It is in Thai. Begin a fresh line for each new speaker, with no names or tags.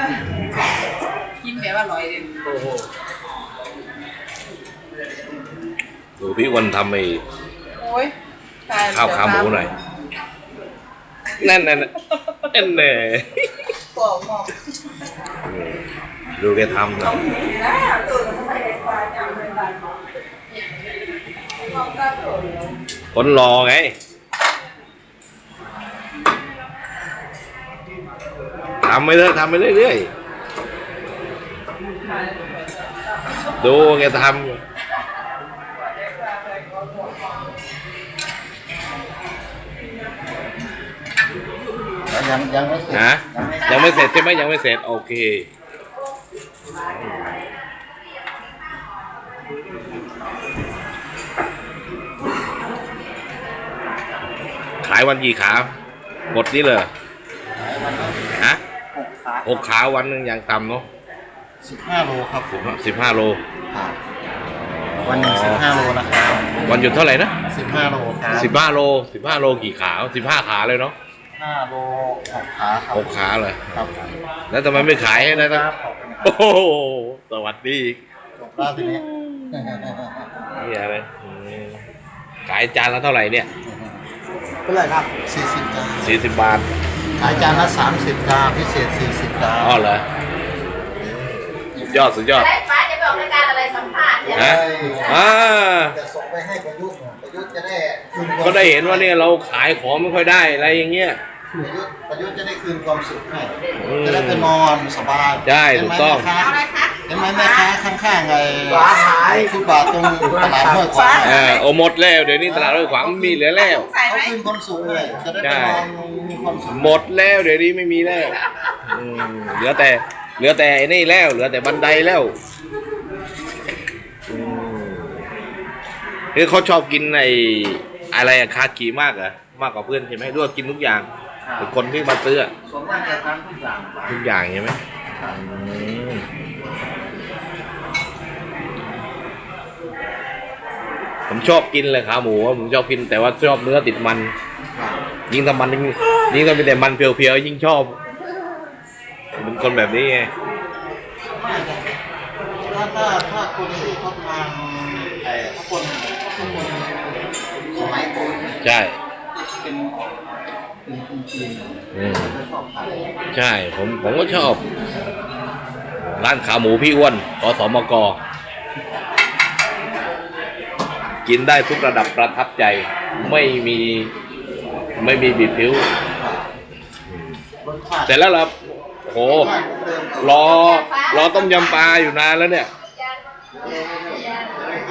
กินแบบอร่อยเลย
โอ้โหดูพี่วันทำไอ้
โอ้ย
ข้าวขาหมูหน่อยนั่นแน่
บอกบอก
ดูแกทำนะคนรอไงทำไปเรื่อยๆดูแกทำ
ยังไม่เสร็จ
นะยังไม่เสร็จใช่ไหมยังไม่เสร็จโอเคขายวันกี่ขาหมดนี่เลยฮะ6 ขาวันหนึ่งอย่างต่ำเนาะ
15 โลครับผม
15 โล
วันหนึ่ง15 โลนะครับ
วันหยุดเท่าไหร่นะ
15 โลครับ
15 โลกี่ขา15 ขาเลยเนาะ
5 โล6 ขาครับ
6 ขาเลย
ครับ
แล้วทำไมไม่ขายให้นะโอ้โหสวัสดี
จบแล้วทีนี้
นี่อะไรขายจานละเท่าไหร่เนี่ย
เท่าไหร่ครับ40 จาน
40 บาท
ขายจานละ30 จานพิเศษ40 จาน
อ๋อเหรอสุดยอด
ป้าจะไปออกรายการอะไรสัมภาษณ์เนี่ย
ฮะ
จะส่งไปให้ประยุทธ์จะได้
ก็ได้เห็นว่าเนี่ยเราขายของไม่ค่อยได้อะไรอย่างเงี้ย
ประยุทธ์จะได้คืนความสุขให้จะได้ไปนอนสบาย
ใช่ถูกต้อง
เห็นไหมแม่ค้าข้างๆไงฟุตบาทตรงตลาดห้วยขวาง
โอ้หมดแล้วเดี๋ยวนี้ตลาดห้วยขวางมีเหลือแล้ว
เขาคืนความสุขเลยจะได้ไปนอนมีความสุข
หมดแล้วเดี๋ยวนี้ไม่มีแล้วเหลือแต่ไอ้นี่แล้วเหลือแต่บันไดแล้วคือเขาชอบกินไอ้อะไรคากิมากเหรอมากกว่าเพื่อนใช่ไหมด้วยกินทุกอย่างเป็นคนที่มาซื้อ
ส่วนมากจะทานทุกอย่าง
ใช่ไหมผมชอบกินเลยขาหมูผมชอบกินแต่ว่าชอบเนื้อติดมันยิ่งทำมันยิ่งทำเป็นแต่มันเพียวๆยิ่งชอบเป็นคนแบบนี้ไง
ถ้าคนที่เขาทานถ้าคนสมัยก่อน
ใช่
เป็นจีน
ใช่ผมก็ชอบร้านขาหมูพี่อ้วนขสมกกินได้ทุกระดับประทับใจไม่มีบิดผิวเสร็จแล้วครับโหรอต้มยำปลาอยู่นานแล้วเนี่ย